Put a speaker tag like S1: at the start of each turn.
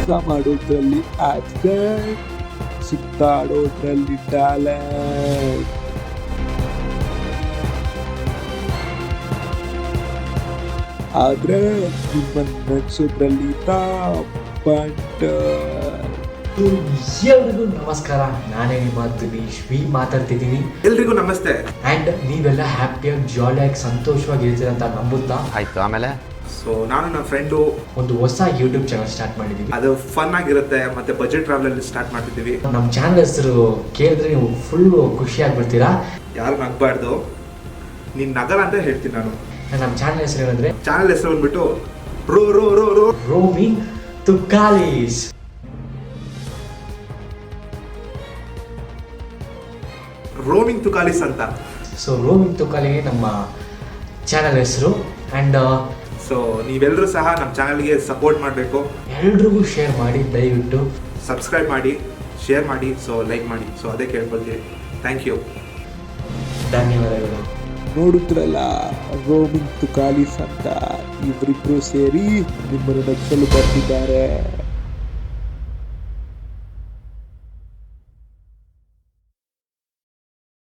S1: ಕೆಲಸ ಮಾಡೋದ್ರಲ್ಲಿ accent, ಸುತ್ತಾಡೋದ್ರಲ್ಲಿ talent. ಆದ್ರೆ ನಿಮ್ಮನ್ನು ನಡೆಸೋದ್ರಲ್ಲಿ ಟಾಪಂಟ್.
S2: ಎಲ್ರಿಗೂ ನಮಸ್ಕಾರ, ನಾನೇ ನಿಮ್ಮ ದಿನೇಶ್ ಮಾತಾಡ್ತಿದ್ದೀನಿ.
S3: ಎಲ್ರಿಗೂ ನಮಸ್ತೆ.
S2: ಅಂಡ್ ನೀವೆಲ್ಲ ಹ್ಯಾಪಿಯಾಗಿ ಜಾಲಿಯಾಗಿ ಸಂತೋಷವಾಗಿ ಇರ್ತೀರ ಅಂತ ನಂಬುತ್ತಾ
S4: ಆಯ್ತು. ಆಮೇಲೆ
S3: ನಾನು ನನ್ನ ಫ್ರೆಂಡು
S2: ಒಂದು ಹೊಸ ಯೂಟ್ಯೂಬ್ ಚಾನಲ್ ಸ್ಟಾರ್ಟ್ ಮಾಡಿದ್ದೀವಿ.
S3: ಅದು ಫನ್ ಆಗಿರುತ್ತೆ, ಮತ್ತೆ ಬಜೆಟ್ ಟ್ರಾವೆಲ್ ಸ್ಟಾರ್ಟ್ ಮಾಡ್ತಿದ್ದೀವಿ.
S2: ನಮ್ಮ ಚಾನಲ್ ಹೆಸರು ಕೇಳಿದ್ರೆ ನೀವು ಫುಲ್ ಖುಷಿ ಆಗ್ಬಿಡ್ತೀರಾ.
S3: ಯಾರು ನಗಬಾರ್ದು, ನೀನ್ ನಗಲ್ಲ ಅಂತ ಹೇಳ್ತೀನಿ ನಾನು.
S2: ನಮ್ಮ ಚಾನಲ್ ಹೆಸರು ಏನಂದ್ರೆ
S3: ಚಾನಲ್ ಹೆಸರು ಬಂದ್ಬಿಟ್ಟು ರೋ ರೋ ರೋ ರೋ
S2: ರೋಮಿಂಗ್ ತುಕಾಲೀಸ್.
S3: ರೋಮಿಂಗ್ ತುಕಾಲಿಸ್ ಅಂತ.
S2: ಸೊ ರೋಮಿಂಗ್ ತುಕಾಲಿ ನಮ್ಮ ಚಾನಲ್ ಹೆಸರು. ಅಂಡ್
S3: ಸೊ ನೀವೆಲ್ಲರೂ ಸಹ ನಮ್ಮ ಚಾನಲ್ಗೆ ಸಪೋರ್ಟ್ ಮಾಡಬೇಕು.
S2: ಎಲ್ರಿಗೂ ಶೇರ್ ಮಾಡಿ, ದಯವಿಟ್ಟು
S3: ಸಬ್ಸ್ಕ್ರೈಬ್ ಮಾಡಿ, ಶೇರ್ ಮಾಡಿ, ಸೊ ಲೈಕ್ ಮಾಡಿ. ಸೊ ಅದೇ ಕೇಳ್ಕೊಳ್ತೀವಿ. ಥ್ಯಾಂಕ್ ಯು,
S2: ಧನ್ಯವಾದಗಳು.
S1: ನೋಡುದ್ರಲ್ಲ, ರೋಮಿಂಗ್ ತುಕಾಲಿಸ್ ಅಂತ ಇವರಿಬ್ರು ಸೇರಿ ನಿಮ್ಮನ್ನು ನಗಿಸಲು ಬರ್ತಿದ್ದಾರೆ.